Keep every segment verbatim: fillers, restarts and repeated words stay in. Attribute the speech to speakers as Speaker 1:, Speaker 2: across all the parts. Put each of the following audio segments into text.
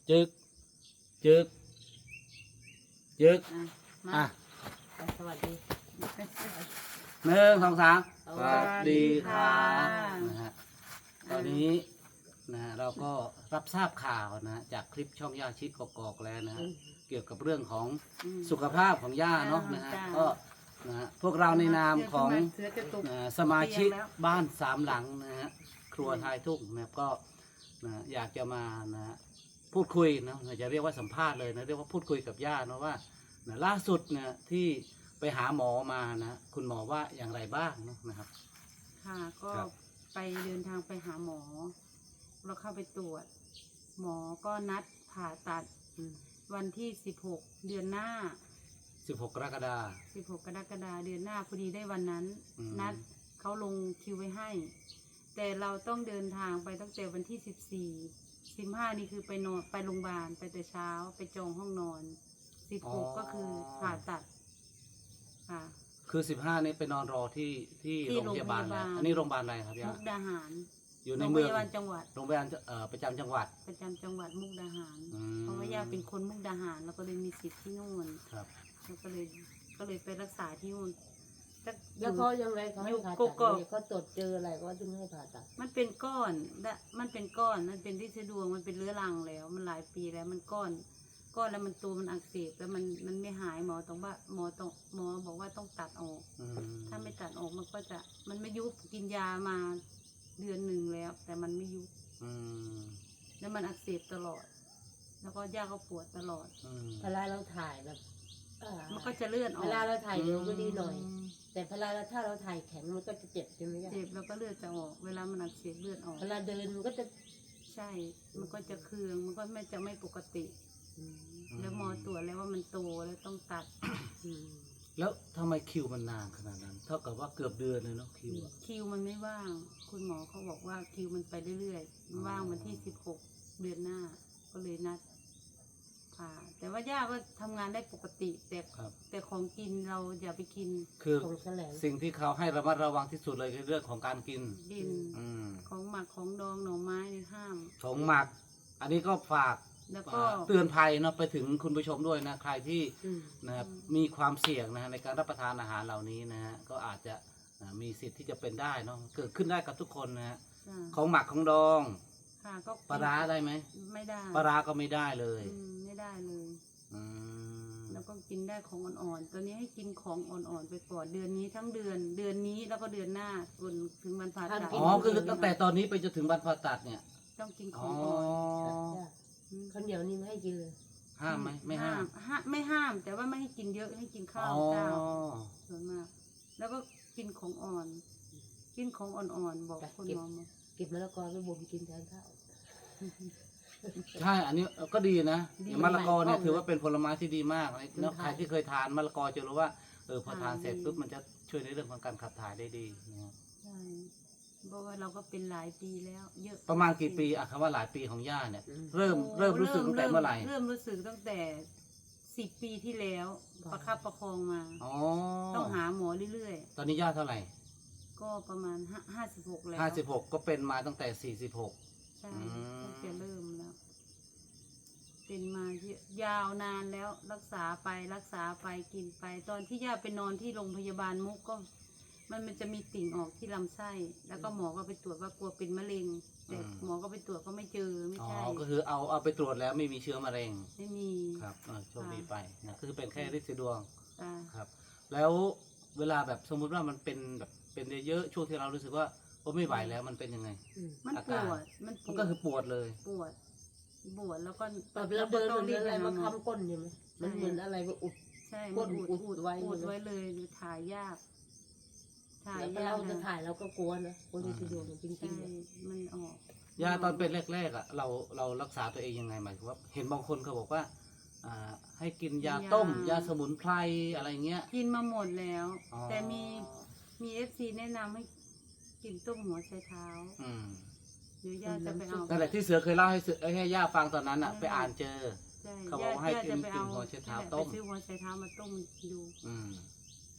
Speaker 1: จึกจึกจึก
Speaker 2: อ่ะมา
Speaker 1: อ่ะ
Speaker 2: สวัสดี
Speaker 1: หนึ่งสองสาม
Speaker 2: สวัสดีค่ะ
Speaker 1: นะฮะตอนนี้นะฮะเราก็รับทราบข่าวนะจากคลิปช่องย่าชิดกอกๆแล้วนะฮะเกี่ยวกับเรื่องของ
Speaker 2: อืม
Speaker 1: สุขภาพของย่าเนาะนะฮะ
Speaker 2: จ้า
Speaker 1: ก็นะฮะพวกเราในนามของ
Speaker 2: เสือกระตุก
Speaker 1: นะสมาชิก
Speaker 2: เตียงแล้ว
Speaker 1: บ้านสามหลังนะฮะครัวทายทุ่งนะครับก็นะอยากจะมานะฮะพูดคุยนะจะเรียกว่าสัมภาษณ์เลยนะเรียกว่าพูดคุยกับย่าเนาะว่านะล่าสุดนะที่ไปหาหมอมานะคุณหมอว่าอย่างไรบ้างเนาะนะครับ
Speaker 2: ค่ะก็
Speaker 1: ครับ
Speaker 2: ไปเดินทางไปหาหมอ เราเข้าไปตรวจ หมอก็นัดผ่าตัดวันที่สิบหกเดือนหน้า
Speaker 1: สิบหกกรกฎาคม
Speaker 2: สิบหกกรกฎาคมเดือนหน้าพอดีได้วันนั้น
Speaker 1: อืม
Speaker 2: นัดเขาลงคิวไว้ให้ แต่เราต้องเดินทางไปตั้งแต่วันที่สิบสี่สิบห้านี่คือไปนอนไปโรงพยาบาลไปแต่เช้าไปจองห้องนอนสิบหกก็คือผ่าตัดค่ะ
Speaker 1: คือสิบห้านี้ไปนอนรอที่ที่
Speaker 2: ที่
Speaker 1: โรงพยาบาล
Speaker 2: โรงพยาบาล
Speaker 1: นะอันนี้โรงพยาบาลอะไรครับ
Speaker 2: มุ
Speaker 1: ย่าก
Speaker 2: ดาหาร
Speaker 1: อยู่ใน
Speaker 2: โรงพ
Speaker 1: เมือง
Speaker 2: ยาบาลจังหวัด
Speaker 1: โรงพยาบาลเอ่อประจำจังหวัด
Speaker 2: ประจำจังหวัดมุกดาหาร
Speaker 1: อืม
Speaker 2: เพราะว่าย่าเป็นคนมุกดาหารแล้วก็เลยมีสิทธิ์ที่นู่น
Speaker 1: ครับ
Speaker 2: แล้วก็เลยก็เลยไปรักษาที่นู่นแต่
Speaker 3: แล้วเขายังไงเขาให้
Speaker 2: อยู่
Speaker 3: ผ่า
Speaker 2: โก
Speaker 3: ตัด
Speaker 2: โก้
Speaker 3: เนี่ยเขาตรวจเจออะไรก็ถึงให้ผ่าตัด
Speaker 2: มันเป็นก้อนและมันเป็นก้อนมันเป็นที่สะดวกมันเป็นเรื้อรังแล้ว มันหลายปีแล้วมันก้อน ก้อนแล้วมันตัวมันอักเสบแล้วมันมันไม่หายหมอต้องว่าหมอต้องหมอบอกว่าต้องตัดออก
Speaker 1: อืม
Speaker 2: ถ้าไม่ตัดออกมันก็จะมันไม่ยุบกินยามาเดือนหนึ่งแล้ว แต่มันไม่ยุบ
Speaker 1: อืม
Speaker 2: แล้วมันอักเสบตลอด แล้วก็ย่าก็ปวดตลอด
Speaker 1: อืม
Speaker 3: เวลาเราถ่ายแบบอ่า
Speaker 2: มันก็จะเลื่อนออก
Speaker 3: เวลาเราถ่ายเร็วก็ดีหน่อย
Speaker 1: ม
Speaker 3: แต่เวลาเราถ้าเราถ่ายแข็งมันก็จะเจ็บใช่ไหมจ๊ะ
Speaker 2: เจ็บแล้วก็เลือดจะออก เวลามันอักเสบเลือดออก
Speaker 3: เวลาเดินมันก็จะ
Speaker 2: ใช่ มันก็จะเคืองมันก็ไม่จะไม่ปกติ
Speaker 3: อืม
Speaker 2: แล้วหมอตรวจแล้วว่ามันโตแล้วต้องตัด
Speaker 3: อืม
Speaker 1: แล้วทำไมคิวมันนานขนาดนั้น เท่ากับว่าเกือบเดือนเลยเนาะคิวอะ
Speaker 2: คิวมันไม่ว่าง คุณหมอเขาบอกว่าคิวมันไปเรื่อยๆมันว่างวันที่สิบหกเดือนหน้า ก็เลยนัดผ่าแต่ว่าย่าก็ทำงานได้ปกติ แต่
Speaker 1: ครับ
Speaker 2: แต่ของกินเราอย่าไปกิน
Speaker 1: คือ
Speaker 3: ของแสลง
Speaker 1: สิ่งที่เขาให้ระมัดระวังที่สุดเลยคือเรื่องของการกิน
Speaker 2: ดิน
Speaker 1: อืม
Speaker 2: ของหมักของดองหน่อไม้นี่ห้าม
Speaker 1: ของหมัก อันนี้ก็ฝาก
Speaker 2: แล้วก็
Speaker 1: เตือนภัยเนาะไปถึงคุณผู้ชมด้วยนะใครที่
Speaker 3: อืม
Speaker 1: นะครับมีความเสี่ยงนะฮะในการรับประทานอาหารเหล่านี้นะฮะก็อาจจะอ่ามีสิทธิ์ที่จะเป็นได้เนาะเกิดขึ้นได้กับทุกคนนะฮะ
Speaker 2: อ่า
Speaker 1: ของหมักของดอง
Speaker 2: ค่ะก็
Speaker 1: ปลาร้าได้ไหม
Speaker 2: ไม่ได้
Speaker 1: ปลาร้าก็ไม่ได้เลย
Speaker 2: อืมไม่ได้เลย
Speaker 1: อืม
Speaker 2: แล้วก็กินได้ของอ่อนๆ ตอนนี้ให้กินของอ่อนๆไปก่อนเดือนนี้ทั้งเดือน เดือนนี้แล้วก็เดือนหน้าจนถึงวันผ่าตัด
Speaker 1: อ๋อคือตั้งแต่ตอนนี้ไปจนถึงวันผ่าตัดเนี่ย
Speaker 2: ต้องกินข
Speaker 1: อ๋
Speaker 2: อ
Speaker 1: อง
Speaker 2: อ่อน
Speaker 3: จ้ะ
Speaker 2: ม
Speaker 3: ข้าวเหนียวนี่ไม่ให้กินเลย
Speaker 1: ห้ามไหมไม่ห้าม
Speaker 2: ห้ามไม่ห้าม แต่ว่าไม่ให้กินเยอะให้กินข้าว
Speaker 1: อ๋อ
Speaker 2: เจ้าส่วนมาก แล้วก็กินของอ่อน กินของอ่อนๆ บอกคุณหมอมา
Speaker 3: เก็บมะละกอไปบ่มกินแทนข้าว
Speaker 1: ใช่ อันนี้ก็ดีนะ
Speaker 2: ดี
Speaker 1: อย่างมะละกอเนี่ย
Speaker 3: ใหม่ๆ
Speaker 1: ถือว่าเป็นผลไม้ที่ดีมากเลยเนาะ
Speaker 3: มัน
Speaker 1: ใค
Speaker 3: ถ่าร ย
Speaker 1: ที่เคยทานมะละกอจะรู้ว่าเออพอทาน
Speaker 2: ทาน
Speaker 1: เสร็จ
Speaker 2: ดี
Speaker 1: ปุ๊บมันจะช่วยในเรื่องของการขับถ่ายได้ดีนะครับ
Speaker 2: ใช่เพราะว่าเราก็เป็นหลายปีแล้ว เยอะ
Speaker 1: ประมาณกี่ปีอะคำว่าหลายปีของย่าเนี่ย
Speaker 3: อืม
Speaker 1: เริ่ม
Speaker 2: โอ้
Speaker 1: เริ่มรู้สึกตั้งแต่เมื่อไหร่
Speaker 2: เริ่มรู้สึกตั้งแต่สิบปีที่แล้ว ประคับประคองมา
Speaker 1: อ๋อ
Speaker 2: ต้องหาหมอเรื่อย
Speaker 1: ตอนนี้ย่าเท่าไหร่
Speaker 2: ๆ ก็ประมาณห้าห้าสิบหกแล้ว
Speaker 1: ห้าสิบหกก็เป็นมาตั้งแต่สี่สิบหก
Speaker 2: ใช่
Speaker 1: อืม
Speaker 2: ตั้งแต่เริ่มแล้ว เป็นมาเยอะยาวนานแล้วรักษาไปรักษาไปกินไป ตอนที่ย่าไปนอนที่โรงพยาบาลมุกก็ มันมันจะมีติ่งออกที่ลำไส้ แล้วก็หมอก็ไปตรวจว่ากลัวเป็นมะเร็ง แต่หมอก็ไปตรวจก็ไม่เจอไม่
Speaker 1: อ๋อ
Speaker 2: ใช่
Speaker 1: ก็คือเอาเอาไปตรวจแล้วไม่มีเชื้อมะเร็ง
Speaker 2: ไม่มี
Speaker 1: ครับเออโชคดีไปนะคือเป็นแค่ฤทธิ์สีดวง
Speaker 2: อ่า
Speaker 1: ครับ แล้วเวลาแบบสมมุติว่ามันเป็นแบบเป็นเยอะๆช่วงที่เรารู้สึกว่าโอ้ไม่ไหวแล้วมันเป็นยังไง
Speaker 3: อืม
Speaker 2: มัน
Speaker 1: อา
Speaker 2: ป
Speaker 1: การ
Speaker 2: วด มันป
Speaker 1: มัน
Speaker 2: ว
Speaker 1: ก็
Speaker 2: ด
Speaker 1: คือปวดเลย
Speaker 2: ปวด ปวดแล้วก็
Speaker 3: แบบเราเดิน
Speaker 2: ต้
Speaker 3: มัน
Speaker 2: รีบ
Speaker 3: อะไร
Speaker 2: ปห
Speaker 3: มา
Speaker 2: หอ
Speaker 3: ค้ำก้นใช่ไหมมันเหมือนอะไรมาอุด
Speaker 2: ใช่
Speaker 3: ก้
Speaker 2: มัน
Speaker 3: น
Speaker 2: อุด
Speaker 3: อุด
Speaker 2: อุด
Speaker 3: ไว้
Speaker 2: อุด
Speaker 3: เลย
Speaker 2: ไว้เลยถ่ายยาก ถ่าย
Speaker 3: แล้วก็
Speaker 2: ยาก
Speaker 3: เราจะ
Speaker 2: นะ
Speaker 3: ถ่ายเราก็กลัวนะคนที่สะดวกจริ
Speaker 2: ใช่
Speaker 3: งๆเลย
Speaker 2: มันออก
Speaker 1: ยาตอนเป็นแรกๆอ่ะเราเรารักษาตัวเองยังไงหมายถึงว่าเห็นบางคนเขาบอกว่าอ่าให้กินยาต้ม ยาสมุนไพรอะไรเงี้ย
Speaker 2: กินมาหมดแล้ว
Speaker 1: อ๋อ
Speaker 2: แต่มีมีเอฟซีแนะนำให้กินต้มหัวไชเท้า
Speaker 1: อืม
Speaker 2: เดี๋ยวย่าจะไปเอา
Speaker 1: นั่นแหละที่เสือเคยเล่าให้เสือให้ย่าฟังตอนนั้นอ่ะ
Speaker 2: อืม
Speaker 1: ไปอ่านเจอ
Speaker 2: ใช่
Speaker 1: เขาบอกว่าให้
Speaker 2: ย่
Speaker 1: กิน
Speaker 2: จะไปเอา
Speaker 1: กินหัวไชเท้า
Speaker 2: นั่นแหละ
Speaker 1: ต้ม
Speaker 2: ไปซื้อหัวไชเท้ามาต้มดู
Speaker 1: อืม
Speaker 3: ต้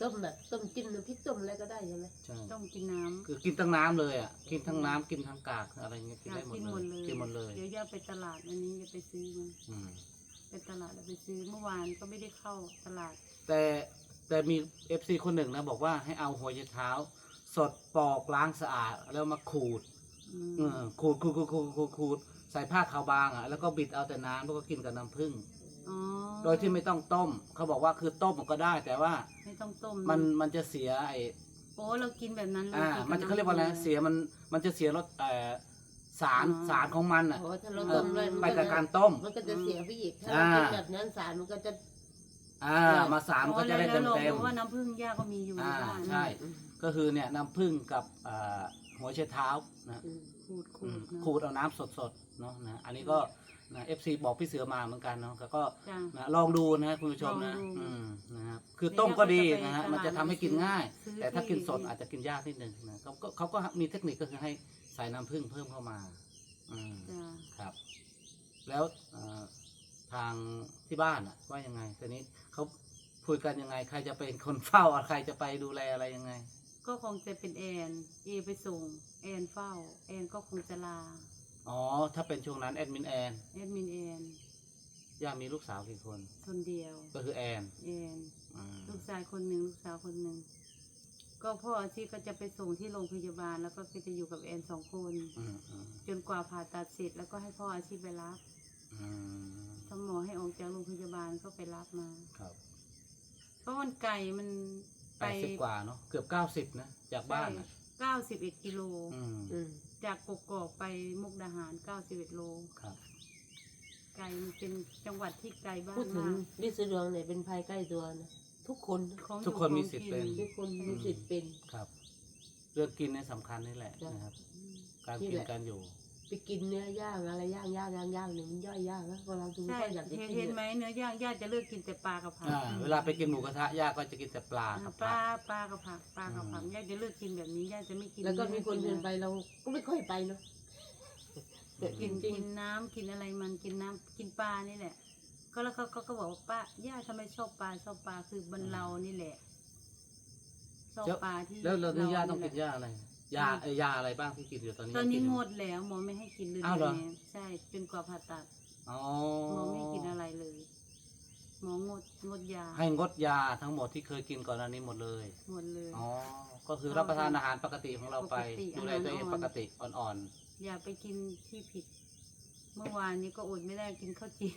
Speaker 3: ต้มแบบต้มจิ้มน้ำพริกต้มอะไรก็ได้ใช่ไหม
Speaker 1: ใช่
Speaker 2: ต้องกินน้ำ
Speaker 1: คือกินทั้งน้ำเลยอ่ะกินทั้งน้ำกินทั้งกากอะไรเงี้ยกิน
Speaker 2: อยา
Speaker 1: ได้
Speaker 2: ก
Speaker 1: หมด
Speaker 2: กิน
Speaker 1: เล
Speaker 2: หม
Speaker 1: ย
Speaker 2: ดเลย
Speaker 1: กินหมดเลย
Speaker 2: เดี๋ยวย่าไปตลาดอันนี้จะไปซื้อมัน
Speaker 1: อืม
Speaker 2: ไปตลาดแล้วไปซื้อเมื่อวานก็ไม่ได้เข้าตลาด
Speaker 1: แต่แต่มีเอฟซีคนหนึ่งนะบอกว่าให้เอาหัวไชเท้า สดปอกล้างสะอาดแล้วมาขูด
Speaker 2: อืม
Speaker 1: เออขูดขูดขูดขูดขูดขูดใส่ผ้าขาวบางอ่ะแล้วก็บิดเอาแต่น้ำแล้วก็กินกับน้ำผึ้ง
Speaker 2: อ๋อ
Speaker 1: โดยที่ไม่ต้องต้ม เขาบอกว่าคือต้มมันก็ได้ แต่ว่า
Speaker 2: ไม่ต้องต้ม
Speaker 1: มันมันจะเสียไอ
Speaker 2: โอ้เรากินแบบนั้นเลย
Speaker 1: อ่า
Speaker 2: กิบ
Speaker 1: มันจะเขาเรียกว่าอะไร
Speaker 2: ำผึ้ง
Speaker 1: เสียมันมันจะเสียรสเอ่อสาร
Speaker 2: อ๋อ
Speaker 1: สารของมันอ่ะ
Speaker 3: โอ้ถ้าเรา
Speaker 1: เอ
Speaker 3: ต้
Speaker 1: อ
Speaker 3: มเลย
Speaker 1: ไปกับการต้ม
Speaker 3: มันก็จะเสียไปอีกถ้าเรากินแบบนั้นสารมันก็จะ
Speaker 1: อ่ามาสารมันก็จะได้
Speaker 2: อ๋
Speaker 1: เต็
Speaker 2: อ
Speaker 1: ม
Speaker 2: แล้ว
Speaker 1: เต็ม
Speaker 2: เรารู้ว่าน้ำผึ้งย่าก็มีอยู่ใน
Speaker 1: อ่า
Speaker 2: บ้าน
Speaker 1: ใช่ ก็คือเนี่ยน้ำผึ้งกับอ่าหัวไชเท้านะ
Speaker 3: อืม
Speaker 2: ขูดขู
Speaker 1: อื
Speaker 2: ด
Speaker 1: ม
Speaker 2: นะ
Speaker 1: ขูดเอาน้ำสดๆเนาะนะอันนี้ก็นะเอฟซีบอกพี่เสือมาเหมือนกันเนาะแล้วก็
Speaker 2: จ้ะ
Speaker 1: นะลองดูนะคุณผู้ชมนะ
Speaker 2: ลองดู
Speaker 1: อืมนะครับคือต้มก็ดีนะฮะ
Speaker 2: เดี๋ยว
Speaker 1: มันจะทำให้กินง่าย
Speaker 2: ซื้อ
Speaker 1: แต่ถ้า
Speaker 2: ที่
Speaker 1: กินสดอาจจะกินยากนิดนึงนะเขาก็เขาก็มีเทคนิคก็คือให้ใส่น้ำผึ้งเพิ่มเข้ามาอืม
Speaker 2: จ้ะ
Speaker 1: ครับ แล้วเอ่อทางที่บ้านอะว่ายังไงตอนนี้เขาคุยกันยังไง ใครจะเป็นคนเฝ้าใครจะไปดูแลอะไรยังไง
Speaker 2: ก็คงจะเป็นแอนเอไปส่งแอนเฝ้า แอนก็คงจะลา
Speaker 1: อ๋อ ถ้าเป็นช่วงนั้นแอดมินแอน
Speaker 2: แอดมินแอน
Speaker 1: ย่ามีลูกสาวกี่คน
Speaker 2: คนเดียว
Speaker 1: ก็คือแอน
Speaker 2: แอน
Speaker 1: อืม
Speaker 2: ลูกชายคนหนึ่งลูกสาวคนหนึ่งก็พ่ออาชีพก็จะไปส่งที่โรงพยาบาล แล้วก็จะอยู่กับแอนสองคน
Speaker 1: อืมอืม
Speaker 2: จนกว่าผ่าตัดเสร็จแล้วก็ให้พ่ออาชีพไปรับ
Speaker 1: อืม
Speaker 2: ถ้าหมอให้ออกจากโรงพยาบาลก็ไปรับมา
Speaker 1: ครับ
Speaker 2: เพราะมันไกลมัน
Speaker 1: แปดสิบกว่าเนาะเกือบเก้าสิบนะจากบ้านอะ
Speaker 2: เก้าสิบเอ็ดกิโล
Speaker 1: อืม
Speaker 3: อืม
Speaker 2: จากกกอกไปมุกดาหารเก้าสิบเอ็ดโล
Speaker 1: ครับ
Speaker 2: ไกลมันเป็นจังหวัดที่ไกลบ้า
Speaker 3: พู
Speaker 2: น
Speaker 3: ดถึง
Speaker 2: มาก
Speaker 3: ลิซดวงเนี่ยเป็นภัยใกล้ตัวนะทุกคน
Speaker 2: ของอยู่
Speaker 1: ทุกคนมี
Speaker 2: ของ
Speaker 1: สิทธิ์
Speaker 2: กิ
Speaker 1: เป็น
Speaker 3: ทุกคนมีสิทธิ์เป็น
Speaker 1: ครับ เรื่องกินเนี่ยสำคัญนี่แหละ
Speaker 3: จ้ะ
Speaker 1: นะครับ
Speaker 2: อืม
Speaker 1: การ
Speaker 3: นี่
Speaker 1: กิน
Speaker 3: แหละ
Speaker 1: การอยู่
Speaker 3: ไปกินเนื้อย่างอะไรย่างย่างย่างย่างเนี่ยมันย่อยยากนะพอเราดู
Speaker 2: ใช่
Speaker 3: ก็อยากจะ
Speaker 2: เห็น
Speaker 3: กิน
Speaker 2: เห็นไหม
Speaker 3: เนี่ย
Speaker 2: เนื้อย่างญาติจะเลือกกินแต่ปลากับผัก
Speaker 1: อ่า เวลาไปกินหมูกระทะย่าก็จะกินแต่ปลากับ
Speaker 2: ป
Speaker 1: ผั
Speaker 2: ลาก ปลากับผักปลากับผัก
Speaker 1: อืม
Speaker 2: ญาติจะเลือกกินแบบนี้ญาติจะไม่กิน
Speaker 3: แล้วก็มีคน
Speaker 2: กิ
Speaker 3: เดินไปเราก็ไม่ค่อยไปเนาะแต่
Speaker 2: กิ
Speaker 3: จ
Speaker 2: น
Speaker 3: ริง
Speaker 2: กินน้ำกินอะไรมันกินน้ำกินปลานี่แหละ ก็แล้วเขาเขาก็บอกว่าป้าย่าทำไมชอบปลาชอบปลาคือบรรเรานี่แหละชอบปลาที่
Speaker 1: แล้วเรานี่ย่าต้อง
Speaker 2: แห
Speaker 1: กิ
Speaker 2: ละ
Speaker 1: นยาอะไรยาเอ่อยาอะไรบ้างที่กินอยู่ตอนนี้
Speaker 2: ตอนนี้
Speaker 1: ยั
Speaker 2: ง
Speaker 1: กิยู่
Speaker 2: ดแล้วหมอไม่ให้กินเลย
Speaker 1: อ้าวเหรอ
Speaker 2: แม่ใช่จนกว่าผ่าตัด
Speaker 1: อ๋อ
Speaker 2: หมอไม่ให้กินอะไรเลย หมองดงดยา
Speaker 1: ให้งดยาทั้งหมดที่เคยกินก่อนหน้านี้หมดเลย
Speaker 2: หมดเลย
Speaker 1: อ๋อ ก็คือรับประทานอาหารปกติของเราไป
Speaker 2: ปกติ
Speaker 1: ดูแลตัวเอง
Speaker 2: อาหารอ่อน
Speaker 1: ปกติอ่อน
Speaker 2: อย่าไปกินที่ผิด เมื่อวานนี้ก็อดไม่ได้กินข้าวจี่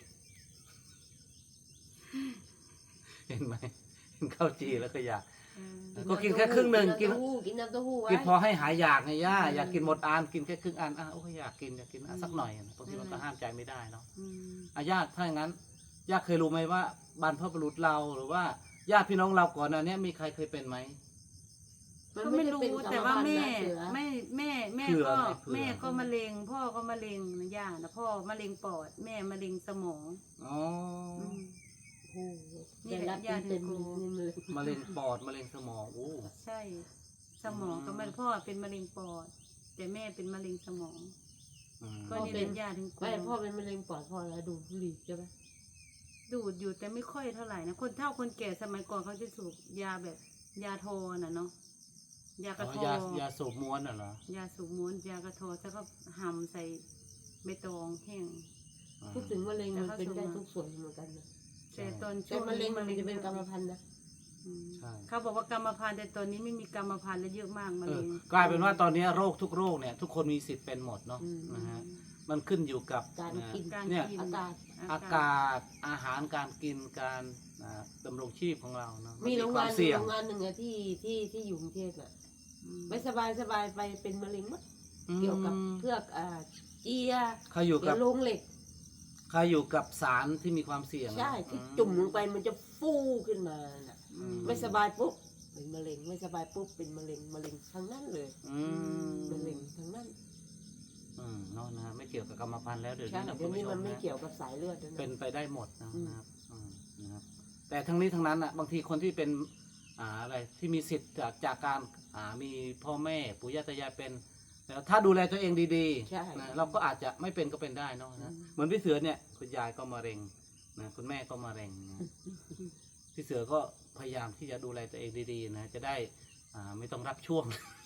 Speaker 1: ๆ เห็นไหมกินข้าวจีแล้วก็อยาก
Speaker 2: เออ
Speaker 1: ก็กินแค่ครึ่งหนึ่งกิน
Speaker 3: น้ำเต้าหู้กินน้ำเต้าหู้ไว้
Speaker 1: กินพอให้หายอยากไงย่าอยากกินหมดอันกินแค่ครึ่งอันอ่ะโอ้ยอยากกินอยากกินอ่ะสักหน่อยบางทีมันก็ห้ามใจไม่ได้เนาะ
Speaker 2: อืม
Speaker 1: อาญาติถ้าอย่างนั้นญาติเคยรู้ไหมว่าบรรพบุรุษเราหรือว่าญาติพี่น้องเราก่อนหน้านี้มีใครเคยเป็นไหม
Speaker 3: มัน
Speaker 2: ก็
Speaker 3: ไม่
Speaker 2: ไม่
Speaker 3: ได้
Speaker 2: รู้
Speaker 3: เป็น
Speaker 2: แต่ว่าแม่
Speaker 3: กรรมพันธุ์นะเสือ
Speaker 2: แม่แม่แม่
Speaker 1: เผื่อ
Speaker 2: ก็
Speaker 1: ไหมเผื่อ
Speaker 2: แม่ก็มะเร็ง พ่อก็มะเร็งนะย่านะพ่อมะเร็งปอด แม่มะเร็งสมอง
Speaker 1: อ๋อ
Speaker 2: อืม
Speaker 3: โอ้โห
Speaker 2: นี่
Speaker 3: ได้
Speaker 2: แหละ
Speaker 3: รับ
Speaker 2: ญาติ
Speaker 3: เต็ม
Speaker 2: กู
Speaker 3: ๆนี่เลย
Speaker 1: มะเร็งปอดมะเร็งสมองโอ้
Speaker 2: ใช่ สมองก็มันพ่อเป็นมะเร็งปอด แต่แม่เป็นมะเร็งสมอง
Speaker 1: อืม
Speaker 2: ก็นี่เป็นญาติถึงกู
Speaker 3: ไม่พ่อเป็นมะเร็งปอดพ่อแล้วดูดบุหรี่ใช่ไหม
Speaker 2: ดูดอยู่แต่ไม่ค่อยเท่าไหร่นะคนเฒ่าคนแก่สมัยก่อนเขาจะสูบยาแบบ ยาโทน่ะเนาะยากระ
Speaker 1: อ๋
Speaker 2: โท
Speaker 1: อยายาสูบม้วนน่ะเหรอย
Speaker 2: าสูบม้วนยากระโทแล้วก็หั่มใส่ใบตองแห้ง
Speaker 1: อืม
Speaker 3: พูดถึงมะเร็ง
Speaker 2: แต่
Speaker 3: มัน
Speaker 2: เขา
Speaker 3: เป็น
Speaker 2: ส่ง
Speaker 3: ได้
Speaker 2: มา
Speaker 3: ทุกส่วนเหมือนกันนะ
Speaker 2: แต่ตอนช่
Speaker 3: แต่
Speaker 2: วง
Speaker 3: มะเร็ง
Speaker 2: นี้
Speaker 3: มันจะเป็นกรรมพันธุ์นะ
Speaker 2: อืม
Speaker 1: ใช่
Speaker 2: เขาบอกว่ากรรมพันธุ์แต่ตอนนี้ไม่มีกรรมพันธุ์แล้วเยอะมากมะ
Speaker 1: เอ
Speaker 2: เร็
Speaker 1: อง กลายเป็นว่าตอนนี้โรคทุกโรคเนี่ย ทุกคนมีสิทธิ์เป็นหมดเนาะ
Speaker 3: อืม
Speaker 1: นะฮะมันขึ้นอยู่กับ
Speaker 3: การ
Speaker 1: นะ
Speaker 3: กิน
Speaker 2: การ
Speaker 1: เนี่ย
Speaker 2: กิน
Speaker 3: อากาศ
Speaker 1: อากาศอาหารการกินการอ่าดำรงชีพของเราเนาะ
Speaker 3: มีโรง
Speaker 1: คว
Speaker 3: งาน
Speaker 1: เสี่ยง
Speaker 3: โรงงานหนึ่งอะที่ที่ที่อยู่กรุงเทพอะ
Speaker 2: อืม
Speaker 3: ไม่สบายสบายไปเป็นมะเร็งมั้งเกี่ยวกับเพือกอ่าเจีย
Speaker 1: เขาอยู่
Speaker 3: เกี่
Speaker 1: กั
Speaker 3: ย
Speaker 1: บ
Speaker 3: วโรงเหล็ก
Speaker 1: เขาอยู่กับสารที่มีความเสี่ยง
Speaker 3: ใช่ที่
Speaker 1: อื
Speaker 3: จุ่มลงไปมันจะฟูขึ้นมาน่ะ
Speaker 2: อืม
Speaker 3: ไม่สบายปุ๊บเป็นมะเร็งไม่สบายปุ๊บเป็นมะเร็งมะเร็งทั้งนั้นเลย
Speaker 1: อืม
Speaker 3: มะเร็งทั้งนั้น
Speaker 1: อืมเนาะนะไม่เกี่ยวกับกรรมพันธุ์แล้วเดี๋ยว
Speaker 3: ใช่
Speaker 1: นี้นะ
Speaker 3: เดี๋ยวนี้
Speaker 1: คุณผู้ช
Speaker 3: มันไม่
Speaker 1: นะ
Speaker 3: เกี่ยวกับสายเลือดแล้วนะ
Speaker 1: เป็นไปได้หมดนะ
Speaker 3: อืม
Speaker 1: นะครับอืมนะครับ แต่ทั้งนี้ทั้งนั้นอ่ะบางทีคนที่เป็นอ่าอะไรที่มีสิทธิ์จากจากการอ่ามีพ่อแม่ปู่ย่าตายายเป็นแล้วถ้าดูแลตัวเองดี
Speaker 3: ใช่
Speaker 1: ๆนะเราก็อาจจะไม่เป็นก็เป็นได้เนาะนะเหมือนพี่เสือเนี่ยคุณยายก็มะเร็งนะคุณแม่ก็มะเร็งนะทพี่เสือก็พยายามที่จะดูแลตัวเองดีๆนะจะได้อ่าไม่ต้องรับช่วง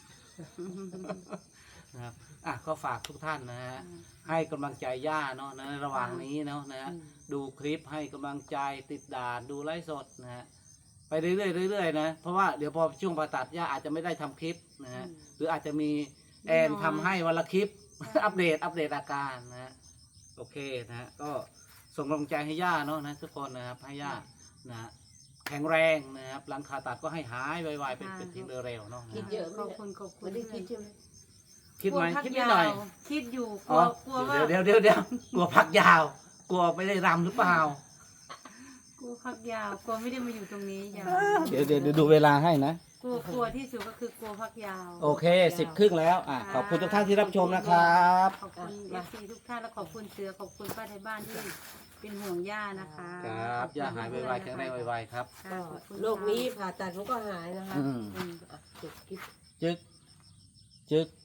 Speaker 1: นะครับอ่ะก็ฝากทุกท่านนะฮะให้กำลังใจย่าเนาะในระหว่างนี้เนาะนะฮะ
Speaker 3: อืม
Speaker 1: ดูคลิปให้กำลังใจติดด่านดูไลฟ์สดนะฮะไปเรื่อยๆเรื่อยๆนะเพราะว่าเดี๋ยวพอช่วงผ่าตัดย่าอาจจะไม่ได้ทำคลิปนะฮะ
Speaker 2: อืม
Speaker 1: หรืออาจจะมีแอน
Speaker 2: น้อย
Speaker 1: ทำให้วันละคลิป
Speaker 2: ใช่
Speaker 1: อัปเดตอัปเดตอาการนะฮะโอเคนะฮะก็ส่งกำลังใจให้ย่าเนาะนะทุกคนนะครับให้ย่านะฮะแข็งแรงนะครับหลังผ่าตัดก็ให้หายไวๆเป็นเป็นทีเร็วๆเนาะนะ
Speaker 3: คิด
Speaker 1: ฮะ
Speaker 3: เยอะไหม
Speaker 2: ขอบคุณขอบคุณ
Speaker 3: ไม่ได้คิดใช่ไหม
Speaker 1: คิดไหม
Speaker 2: กลัวพัก
Speaker 1: คิดนิดหน่อย
Speaker 2: าวคิดอยู่ก
Speaker 1: อ๋
Speaker 2: ลั
Speaker 1: อ
Speaker 2: วกลัวว่า
Speaker 1: เดี๋ยวเดี๋ยวเดี๋ยวกลัวพักยาว กลัวไม่ได้รำหรือเปล่า
Speaker 2: กลัวพักยาวกลัวไม่ได้มาอยู่ตรงนี้ยาว
Speaker 1: เดี๋ยวเดี๋ยวดูเวลาให้นะ
Speaker 2: กลัวกลัวที่สุดก็คือกลัวพักยาว
Speaker 1: โอเคสิบครึ่งแล้วอ่ะขอบคุณทุกท่านที่รับชมนะครับ
Speaker 2: ขอบคุณเอฟซีทุกท่านและขอบคุณเสือขอบคุณป้าไทยบ้านที่เป็นห่วงย่านะคะ
Speaker 1: ครับ
Speaker 2: ขอบคุณ
Speaker 1: ย่าหายไวๆแข็งแรงไวๆครับ
Speaker 2: ค่ะ
Speaker 3: ก็
Speaker 2: ขอบคุณ
Speaker 3: โรคนี้ผ่าตัดมันก็หายนะคะ
Speaker 1: อืม
Speaker 3: อืมอ่ะจบคลิป
Speaker 1: จึกจึก